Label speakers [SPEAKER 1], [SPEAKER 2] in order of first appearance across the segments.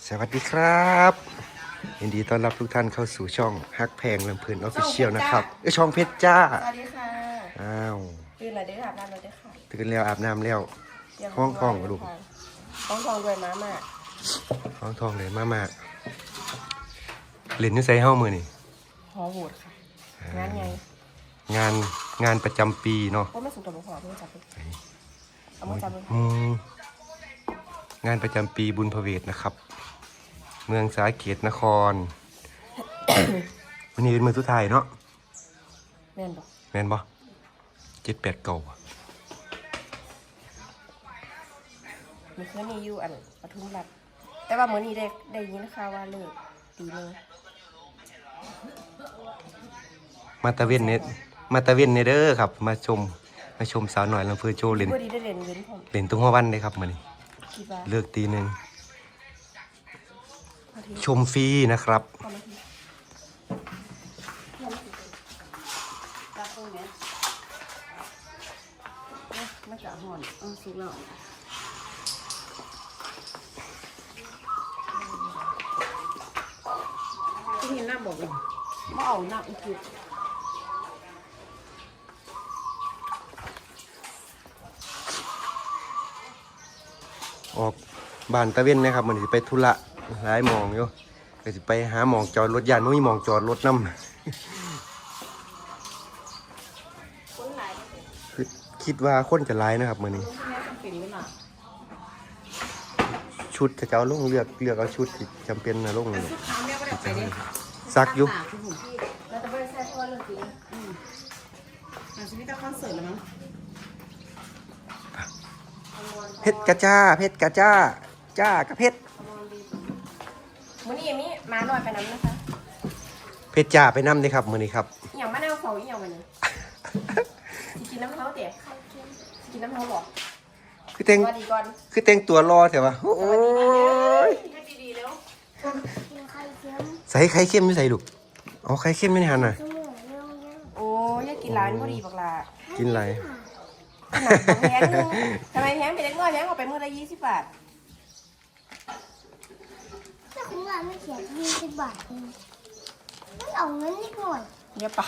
[SPEAKER 1] สวัสดีครับยินดีต้อนรับทุกท่านเข้าสู่ช่องฮักแพงลำเพลินออฟฟิเชียลนะครับช่องเพชรจ้า
[SPEAKER 2] สวัสดีค่ะ
[SPEAKER 1] อ้าว
[SPEAKER 2] ตื่นแล้วเด้ออาบน้ำแล้วเด้อค่ะ
[SPEAKER 1] ตื่นแล้วอาบน้ำแล้วห้องทองลูก
[SPEAKER 2] ห้องทองด้วยม้ามา
[SPEAKER 1] ห้องทองเลยมาเล่นนิสัยเฮ้ามือนี่
[SPEAKER 2] ฮอโหวตค่ะงานไง
[SPEAKER 1] งานประจำปีเนาะ
[SPEAKER 2] ว่าไม่สุดตัวบุคคลเพื่อจับเอามาจับเลย
[SPEAKER 1] งานประจำปีบุญพเวทนะครับเมืองสาเกตนคร วันนี้เป็นมือสุดท้ายเนาะ
[SPEAKER 2] แม่นบ่
[SPEAKER 1] 7-8 เก่า
[SPEAKER 2] มีเครื่องนี้อยู่อันปทุมรัฐแต่ว่ามื้อนี้ได้ยินข่าวว่าเลิกตีนึง
[SPEAKER 1] มาตะเวนเนเด้อครับมาชมสาวหน่อยลำเพลินโชว์เล่น
[SPEAKER 2] ได้เล่นเว้นผม
[SPEAKER 1] เล่นตุ้งหัววันเลยครับมื้อนี้เลิกตีหนึ่งชมฟรีนะครับ
[SPEAKER 2] มาจากห่อนสุกแล้วที่เห็นหน้าบอกเลยว่าเอาหน้าอีกที
[SPEAKER 1] ออกบ้านตะเวนนะครับมันจะไปธุระหลายหมองอยู่ก็จะไปหาหมองจอดรถยานไม่มีหมองจอดรถน้ำคิดว่าคนจะร้ายนะครับมื้อนี้ชุดจะเอาลงเลือกเอาชุดที่จำเป็นนะลงเลยซักอยู่
[SPEAKER 2] เราจะไปใช้เพราะว่าเรื่องจริงชีวิตต้องคอนเสิร์ตแล้วมั้ง
[SPEAKER 1] เพชรกระจ้าจ้ากระเพชร
[SPEAKER 2] มื้อนี้มีมาหน่อยไปน้ำนะคะ
[SPEAKER 1] เพชรจ้าไปน้ำเลยครับมื้อนี้ครับ
[SPEAKER 2] อย่างมะนาวเผาอย่างวันนี้กินน้ำเท้าเต๋กินน้ำเท้าบอก
[SPEAKER 1] คือแต่งตัวรอเถอะวะโอ้ยใส่ไข่เค็มไม่ใส่ลูกเอาไข่เค็มไม่หันน่ะ
[SPEAKER 2] โอ้ยอยากกินร้านพอดีบักลา
[SPEAKER 1] กินอะไร
[SPEAKER 2] แพงทำไมแพงไปเล็กน้อยแพงออกไปมื้อละ20 บาท
[SPEAKER 3] แต่คุณว่าไม่เขียน20 บาทไม่เอาเงินนิดหน่อย
[SPEAKER 2] เดี๋ยวปะ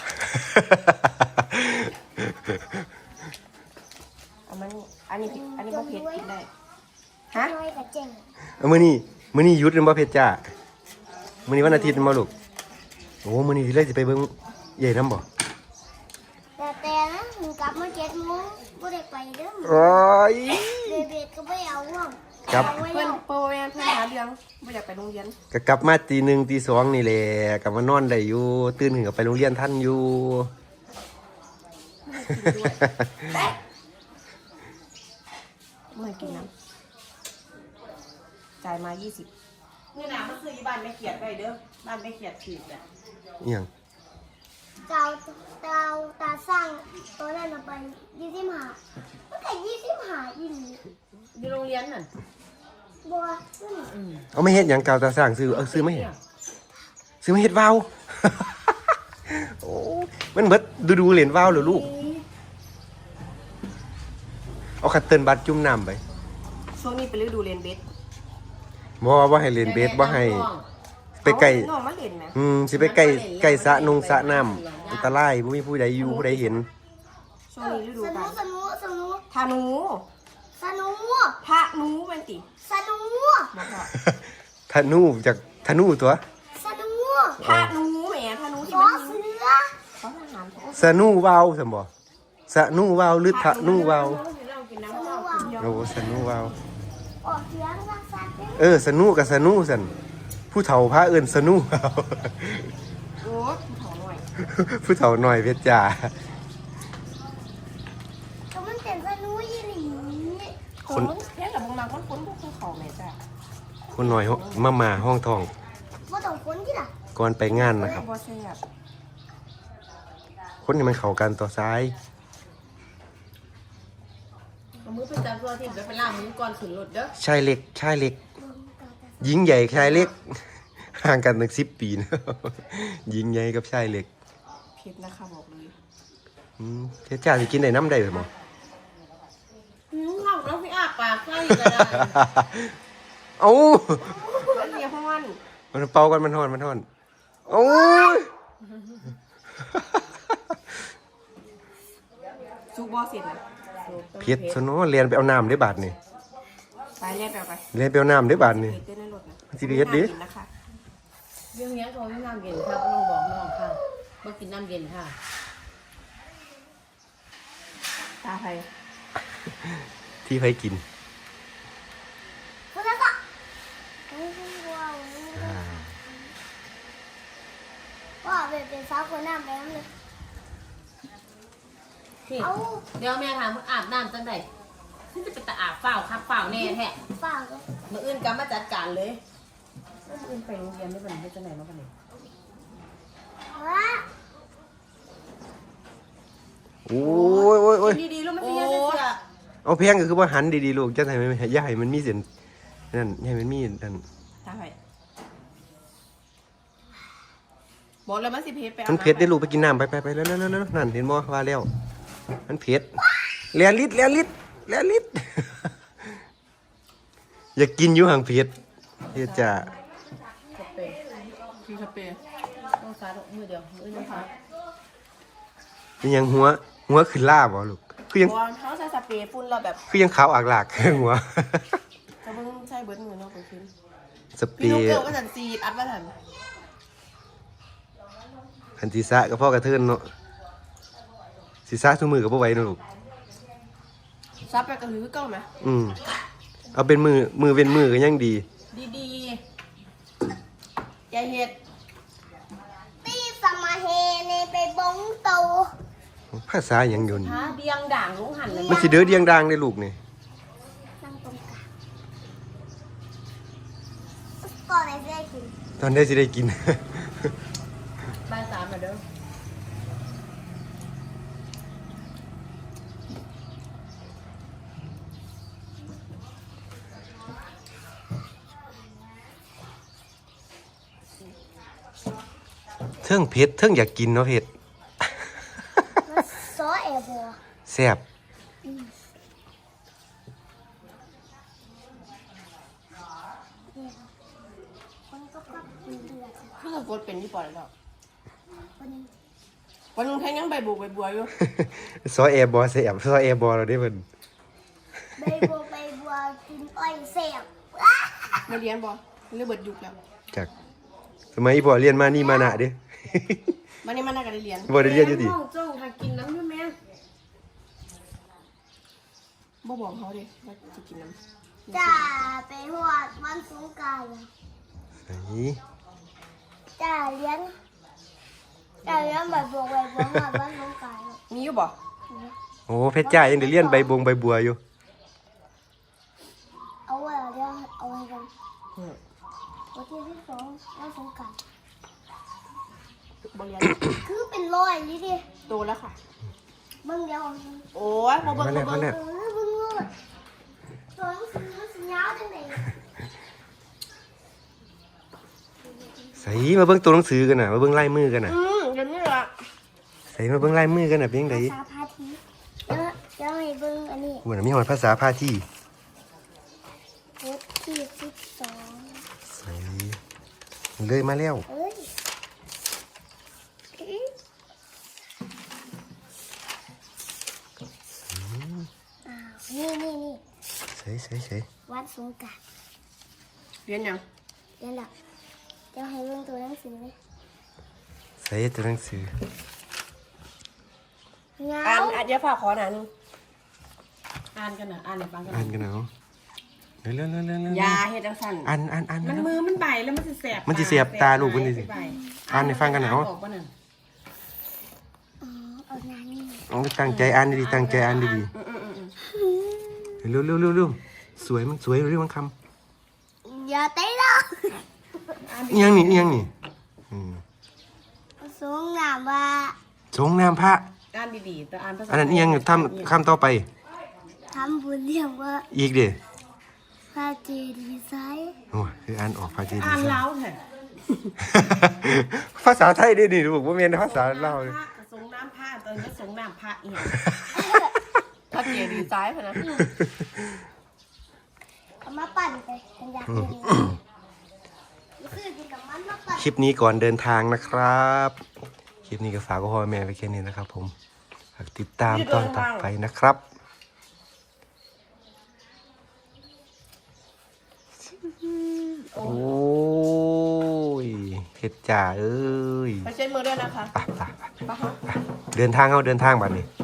[SPEAKER 2] อันนี้บ่เผ็ดกินได้ฮะ
[SPEAKER 1] มื้อนี้หยุดหรือบ่เพชรจ้ามื้อนี้วันอาทิตย์มาลูกโอ้มื้อนี้เลยสิไปเบิ่งใหญ่น้ำบ่
[SPEAKER 3] แต่นะมึงกลับมา7 โมงบ่ได้ไปเด้อ
[SPEAKER 1] โอ้ย
[SPEAKER 3] เบ็ดก็ไม่เอาห่วง
[SPEAKER 1] ครับ
[SPEAKER 2] เพื่อนหาเรื่องไม่อยากไปโรงเรียน
[SPEAKER 1] ก็กลับมาตี 1 ตี 2นี่แหละกลับมานอนได้อยู่ตื่นขึ้นก็ไปโรงเรียนทันอยู่
[SPEAKER 2] ไม่กินน้ำจ่ายมา20เมื่อหนามันซื้อบ้านไม่เขียดไปเด้อบ้านไม่เขียดผิดอ่ะ
[SPEAKER 1] ยัง
[SPEAKER 3] ตาสร้างตัวนั้นไป25มันแค่25อีหลี
[SPEAKER 2] อยู่โรงเรียนน่ะ
[SPEAKER 3] บัว
[SPEAKER 1] เอาไม่เฮ็ดหยังกาวตาสร้างซื้อไม่เฮ็ดวาวโอ้มันเบิดดูเหรียญวาวเหรอลูกเอาคัตเติ้ลบัตรจุ่มน้ำไป
[SPEAKER 2] ช่วงนี้เป็นฤดูเรียนเบส
[SPEAKER 1] บ่ให้เรียนเบสบ่ให้ไปไกลสิไปไกลสระน้ำอันตรายบ่มีผู้ใดอยู่ผู้ใดเห็น
[SPEAKER 2] ช่วงนี้ฤดูการ
[SPEAKER 3] สนุ
[SPEAKER 2] ธนูเป็นติ
[SPEAKER 3] สนุ
[SPEAKER 1] ธนูจากธนูตัว
[SPEAKER 3] สนุ
[SPEAKER 2] ธนูแหมธนูที่
[SPEAKER 3] มันยิง
[SPEAKER 1] สนุวาวซั่นบ่สนุวาวหรือธนูวาวโอ้สนุวาว
[SPEAKER 3] ออกเสียงซัก
[SPEAKER 1] สนุกับสนุซั่นผู้เฒ่าพระเอิ้นสนุ
[SPEAKER 2] โอ้
[SPEAKER 1] ผู้เฒ่าหน่อยเพชรจ้า
[SPEAKER 3] ก็มันเป็นสนุอีหลี
[SPEAKER 2] คนแค่กับบางคนพวกเขาแม่จ้า
[SPEAKER 1] คนหน่อยมาห้องทอง
[SPEAKER 3] บ่ต้องคนที่ล่ะ
[SPEAKER 1] ก่อนไปงานนะครับคนนี้มันเข้ากันต่อซ้าย
[SPEAKER 2] มือไปจับตัวที่ไปล่างมือก่อนขึ้นรถเด้อ
[SPEAKER 1] ชายเล็กหญิงใหญ่ชายเล็กห่างกันตั้ง10 ปีนะหญิงใหญ่กับชายเล็ก
[SPEAKER 2] เผ็ดนะคะบอกเลย
[SPEAKER 1] เพชรจ้าสิกินได้น้ำได้หรือเปล่า
[SPEAKER 2] แล้วพี่อาปากใช่ก็ได้
[SPEAKER 1] เอ้ามันเป่ากันมันฮ้อนโอ้ย
[SPEAKER 2] ซุกบ่เสร็จนะ
[SPEAKER 1] เผ็ดซะเนาะเรียนไปเอาน้ำได้บาดนี่
[SPEAKER 2] ไปเรียนไป
[SPEAKER 1] เรียนไปเอาน้ำได้บาดนี่
[SPEAKER 2] เผ็ดในรถนะ
[SPEAKER 1] มันสิเผ็ดดิ
[SPEAKER 2] น่ากินนะคะ
[SPEAKER 4] เรื่องนี้เขาไม่น้ำเย็นค่ะก็ต้องบอกน้องค่ะมากินน้ำเย็นค่ะ
[SPEAKER 2] ตาไทย
[SPEAKER 1] ที่ไปกิน
[SPEAKER 3] แล้วก็ว้าวเป็นสาวคนน้ำแม่เลย
[SPEAKER 4] พี่
[SPEAKER 3] เอา
[SPEAKER 4] เดี๋ยวแม่ถามอาบน้ำจังไดที่จะเป็นตาอาบเปล่าครับเปล่าแน่แท้
[SPEAKER 3] ฝากเลย
[SPEAKER 4] มื่ออื่นก็มาจัดการเลยมื่ออื่นไปโรงเรียนไม่เป็นไรจังไหนมากันเลย
[SPEAKER 3] ว้า
[SPEAKER 1] โอ้ย
[SPEAKER 4] ดีๆลูกมันจะเยอะเสีย
[SPEAKER 1] เอาเพียงก็คือว่าหันดีๆลูกจะให้มันอย่าให้มันมีเส้นนั่นอย่าให้มันมีนั่น
[SPEAKER 2] ตาไทยบอกเลยมันสิเผ็ดไปอา
[SPEAKER 1] มันเผ็ดได้ลูกไปกินน้ำไปแล้วนั่นเห็นบ่ว่าแล้วมันเผ็ดแลลิด อย่ากินอยู่ห่างเผ็ดเฮ็ดจ้า
[SPEAKER 4] สเปรย์
[SPEAKER 2] คือสเปรย์
[SPEAKER 4] ต้องฟ้ามือเดียวมืออื่นนะคะ
[SPEAKER 1] เป็นยังหัวขึ้นล่าบ่ลูกคือยัง
[SPEAKER 2] บอลเขาใช้สเปรย์ฝุ่นเราแบบ
[SPEAKER 1] คือยังขาวอักหลาก หัว
[SPEAKER 2] จะเพิ่งใช้เบิร์ดมือเนาะไปขึ้น
[SPEAKER 1] สเปร
[SPEAKER 2] พี่นุ๊ก
[SPEAKER 1] ย์
[SPEAKER 2] เกิลก็สันซีดอัดมาสัน
[SPEAKER 1] คันศีรษะกับพ่อกระเทินเนาะศีรษะทุกมือกับพ่อไหว้เนาะลูก
[SPEAKER 2] ซับไปกระหือเก้าไหม
[SPEAKER 1] เอาเป็นมือเป็นมือก็ยังดี
[SPEAKER 2] ดีๆอย่าเห็ด
[SPEAKER 3] ตีสมาเฮเนไปบงโต
[SPEAKER 1] ภาษาหยังอยู่นี่
[SPEAKER 4] ฮะเบียงด่างลุงหันเลย
[SPEAKER 1] มันสิเด้อเดียงดังได้ลูกนี่
[SPEAKER 3] นั่งตรงกลางก่อนไหนจะได้กิน
[SPEAKER 1] ตอนได้สิได้กิน
[SPEAKER 4] บ่ายสามมาเด้อ
[SPEAKER 1] เทิงเผ็ดเทิงอยากกินเนาะเผ็ด
[SPEAKER 3] ซอเอบัว
[SPEAKER 1] แซ่บ
[SPEAKER 3] คนก็พับเดือด
[SPEAKER 2] เพิ่งกดเป็นที่ปอดแล้ว
[SPEAKER 3] คน
[SPEAKER 2] วันนึงแค่ยังใบบุกใบบัวอยู่
[SPEAKER 1] ซอแอร์บอแซ่บซอแอร์บอเราได้เพิ่น
[SPEAKER 3] ใบบัวกินอ้อยเสียบ
[SPEAKER 2] มาเรียนบอเรื่องเบิดยุกแล้ว
[SPEAKER 1] จากสมัยพ่อเรียนมานี่มานะเด้
[SPEAKER 2] มันนี่มันน่าจะได้เรียน
[SPEAKER 1] บ่ได้เรียนอยู่ติ
[SPEAKER 4] ห้องจ้องทากินน้ำด้วยแม่
[SPEAKER 2] บ่บอกเขาดิว่าจะกินน้ำ
[SPEAKER 3] จ่าไปหวดวันสงกรานต์
[SPEAKER 1] ไอ้
[SPEAKER 3] จ่าเลี้ยงใบบัวหวดวันสงกรานต์
[SPEAKER 2] มีอยู่บ่
[SPEAKER 1] โอ้เพชรจ้ายังได้เรียนใบบัวอยู่
[SPEAKER 3] เอาไว้เดี๋ยวเอาไว้กันวันที่2วันสงกรานต์
[SPEAKER 2] บ่เรียน
[SPEAKER 3] คือเป็นร้อยนี่ดิ
[SPEAKER 2] โตแล้วค่ะ
[SPEAKER 3] เบิ่งเดียว
[SPEAKER 2] โอ้ยบ่เบิ่งบ่เบิ่ง
[SPEAKER 3] เบิ่งงูตัวหนังสือมันสิยาวจังได๋
[SPEAKER 1] ใส่มาเบิ่งตัวหนังสือกันน่ะมาเบิ่งลายมือกันน่ะ
[SPEAKER 2] เดี๋ยวนี้ล่ะ
[SPEAKER 1] ใส่มาเบิ่งลายมือกันน่ะเป็นจังได
[SPEAKER 3] ภาษาพาทีเดี๋ยวให้เบิ่งอันนี้
[SPEAKER 1] โอ้น่ะมีหอดภาษาพาที่
[SPEAKER 3] โพสที่12
[SPEAKER 1] ใส่เลยมาแล้ว
[SPEAKER 3] เอ้ยนี่
[SPEAKER 1] ใส่
[SPEAKER 3] วันสงกรานต์
[SPEAKER 2] เรียนยัง
[SPEAKER 3] เดี๋ยวล่ะเดี๋ยวให้เบิ่งตัวหนังสือเลย
[SPEAKER 1] ใส่ตัวหนังสือ
[SPEAKER 3] เงา
[SPEAKER 2] อ่านเดี๋ยวฝากขอหน่อยนึง
[SPEAKER 4] อ่านกันนะอ่านในฟังกัน
[SPEAKER 1] อ่านกันเอาเร็วๆๆๆ
[SPEAKER 2] ยาเฮ็ดจังซั่น
[SPEAKER 1] อ่าน
[SPEAKER 4] มันมือมันใบแล้วมันจะแสบ
[SPEAKER 1] มันสิแสบตาลูกมันสิ อ่านให้ฟังกันเอา
[SPEAKER 4] ออกปะนั่น
[SPEAKER 3] เอางานนี่
[SPEAKER 1] เอาตั้งใจอ่านดีๆตั้งใจอ่านดีๆเร็วๆๆสวยมันสวยเรื่องมันคำ
[SPEAKER 3] อย่าเตะเรา
[SPEAKER 1] อีหยังนี่
[SPEAKER 3] สงน้ำว่า
[SPEAKER 1] สงน้ำพระ
[SPEAKER 4] อ่านดีๆแต่อ่านภาษา
[SPEAKER 1] อันนั้นอีหยังทำคำต่อไป
[SPEAKER 3] ทำบุญเรียกว่า
[SPEAKER 1] อีกเด้
[SPEAKER 3] พระเจดีย์ไซน์
[SPEAKER 1] โอ้ยคืออ่านออกภาษาจีน
[SPEAKER 4] อ่านเล้าแท้
[SPEAKER 1] ภาษาไทยได้ดิลูกว่าเมียนภาษาลาวเลย
[SPEAKER 4] พระสงน้ำพระตอนนี้สงน้ำพระอีก
[SPEAKER 2] ถ้าเกียร์ดีซ้ายพะนะ
[SPEAKER 3] เอามาปั่นไปฉันอยากกินคือกินกับมันแล้วกัน
[SPEAKER 1] คลิปนี้ก่อนเดินทางนะครับ คลิปนี้ก็ฝากพ่อแม่ไปแค่นี้นะครับผมฝากติดตามตอนต่อไปนะครับ โอ้ยเฮ็ดจ่าเอ้ย
[SPEAKER 2] ไปเช็ดมือด้วยนะคะ
[SPEAKER 1] ไปเดินทางบัดนี้